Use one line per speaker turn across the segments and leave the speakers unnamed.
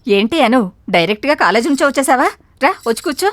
ఏంటి అను, డైరెక్ట్గా కాలేజీ నుంచి వచ్చేసావా? రా వచ్చి కూర్చో.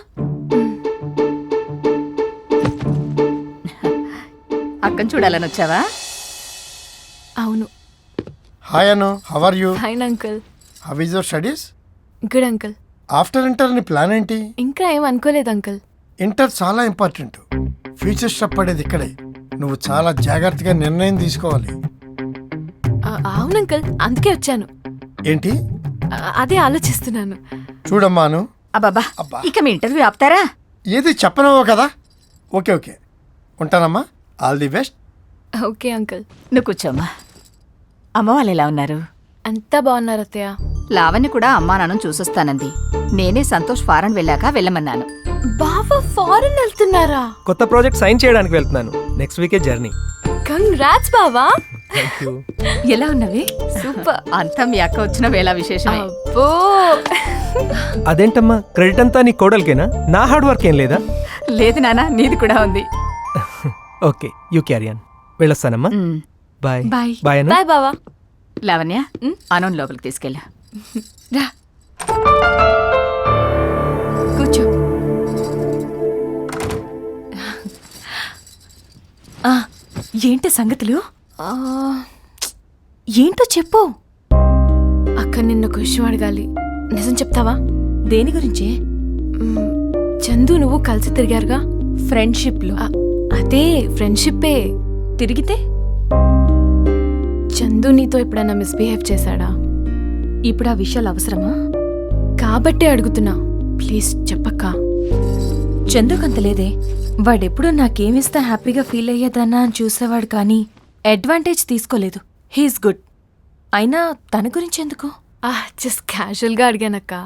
అక్కని చూడాలని వచ్చావా?
అవును.
Hi Anu, how are you?
Fine uncle.
How is your studies?
Good uncle.
After inter నీ ప్లాన్ ఏంటి?
ఇంకా ఏం అనుకోలేదు అంకుల్.
ఇంటర్ చాలా ఇంపార్టెంట్. ఫ్యూచర్ స్టెప్ పడేది ఇక్కడే. నువ్వు చాలా జాగ్రత్తగా నిర్ణయం తీసుకోవాలి.
అవును అంకుల్, అందుకే వచ్చాను.
ఏంటి?
అదే ఆలోచిస్తున్నాను.
చూడమ్మాను.
అబ్బబ్బా,
అబ్బా.
ఇక మీ ఇంటర్వ్యూ ఆపుతారా?
ఏది చెప్పనవో కదా. ఓకే ఓకే, ఉంటానమ్మా. All the best.
Okay uncle.
నువ్వు కూర్చోమ్మా. అమ్మ వాళ్ళు ఎలా ఉన్నారు?
అంతా బాగున్నారు అత్తయ్య.
లావణ్య కూడా అమ్మా నాన్న చూసొస్తానంది. నేనే సంతోష్ ఫారెన్ వెళ్ళాక వెళ్ళమన్నాను.
బావా ఫారెన్ వెళ్తున్నారా?
కొత్త ప్రాజెక్ట్ సైన్ చేయడానికి వెళ్తున్నాను. నెక్స్ట్ వీకే జర్నీ.
కంగ్రాట్స్ బావా.
థాంక్యూ.
ఎలా ఉన్నవి?
సూపర్.
అంతా మీ అక్క వచ్చిన వేళ విశేషమే.
అబ్బో.
అదేంటమ్మా, క్రెడిట్ అంతా నీ కోడలికేనా? నా హార్డ్ వర్క్ ఏం లేదా?
లేదు నాన్న, నీది కూడా ఉంది.
Okay, you carry on. వెళ్ళొస్తానమ్మా. బాయ్.
బాయ్.
బాయ్ అన్న.
బాయ్ బావా.
లావణ్య, అనోన్ లోపలికి తీసుకెళ్ళా.
రా కూర్చో.
ఏంటి సంగతులు? ఏంటో చెప్పు.
అక్క నిన్న ఒక విషయం అడగాలి. నిజం చెప్తావా?
దేని గురించి?
చందు నువ్వు కలిసి తిరిగారుగా
ఫ్రెండ్షిప్ లో.
అదే ఫ్రెండ్షిప్పే.
తిరిగితే
చందు నీతో ఎప్పుడైనా మిస్బిహేవ్ చేశాడా?
ఇప్పుడు ఆ విషయాలు అవసరమా?
కాబట్టే అడుగుతున్నా, ప్లీజ్ చెప్పక్క.
చందుకంత లేదే. వాడెప్పుడు నాకేమిస్తా హ్యాపీగా ఫీల్ అయ్యేదన్నా అని చూసేవాడు, కానీ అడ్వాంటేజ్ తీసుకోలేదు. He is good. అయినా తన గురించి ఎందుకు?
జస్ట్ క్యాజువల్గా అడిగానక్క.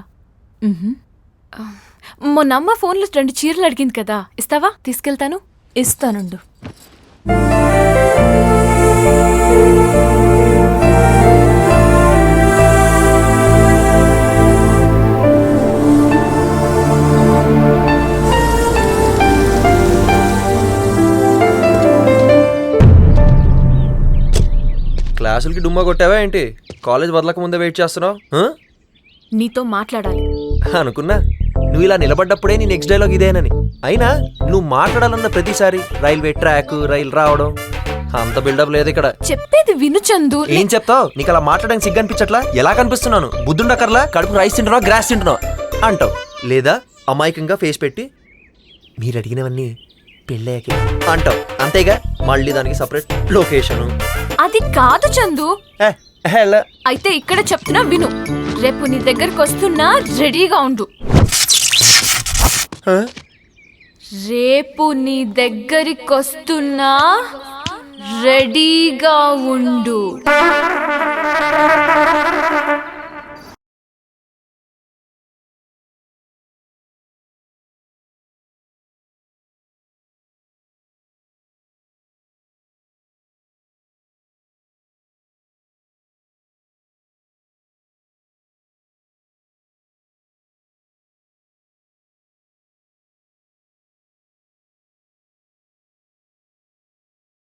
మొన్న అమ్మ ఫోన్లో 2 చీరలు అడిగింది కదా, ఇస్తావా? తీసుకెళ్తాను.
ఇస్తానుండు.
క్లాసులకి డుమ్మా కొట్టావా ఏంటి? కాలేజ్ వదలక ముందే వెయిట్ చేస్తున్నావు?
నీతో మాట్లాడాలి
అనుకున్నా నువ్వు ఇలా నిలబడ్డప్పుడే నీ నెక్స్ట్ డైలాగ్ ఇదేనని. అయినా నువ్వు మాట్లాడాలన్న ప్రతిసారి రైల్వే ట్రాక్, రైలు రావడం, అంత బిల్డప్ లేదు ఇక్కడ.
చెప్పేది విను చందు.
ఏం చెప్తావు? నీకు అలా మాట్లాడడానికి సిగ్గు అనిపించట్లా? ఎలా కనిపిస్తున్నాను? బుద్ధుండకర్లా కడుపు రైస్ తింటున్నావు, గ్రాస్ తింటున్నావు అంటావు. లేదా అమాయకంగా ఫేస్ పెట్టి మీరు అడిగినవన్నీ పెళ్ళయ్యాకే అంటావు. అంతేగా, మళ్ళీ దానికి సపరేట్ లొకేషను.
అది కాదు చందు. అయితే ఇక్కడ చెప్తున్నా విను. రేపు నీ దగ్గరకు వస్తున్నా, రెడీగా ఉండు. రేపు నీ దగ్గరికి వస్తున్నా, రెడీగా ఉండు.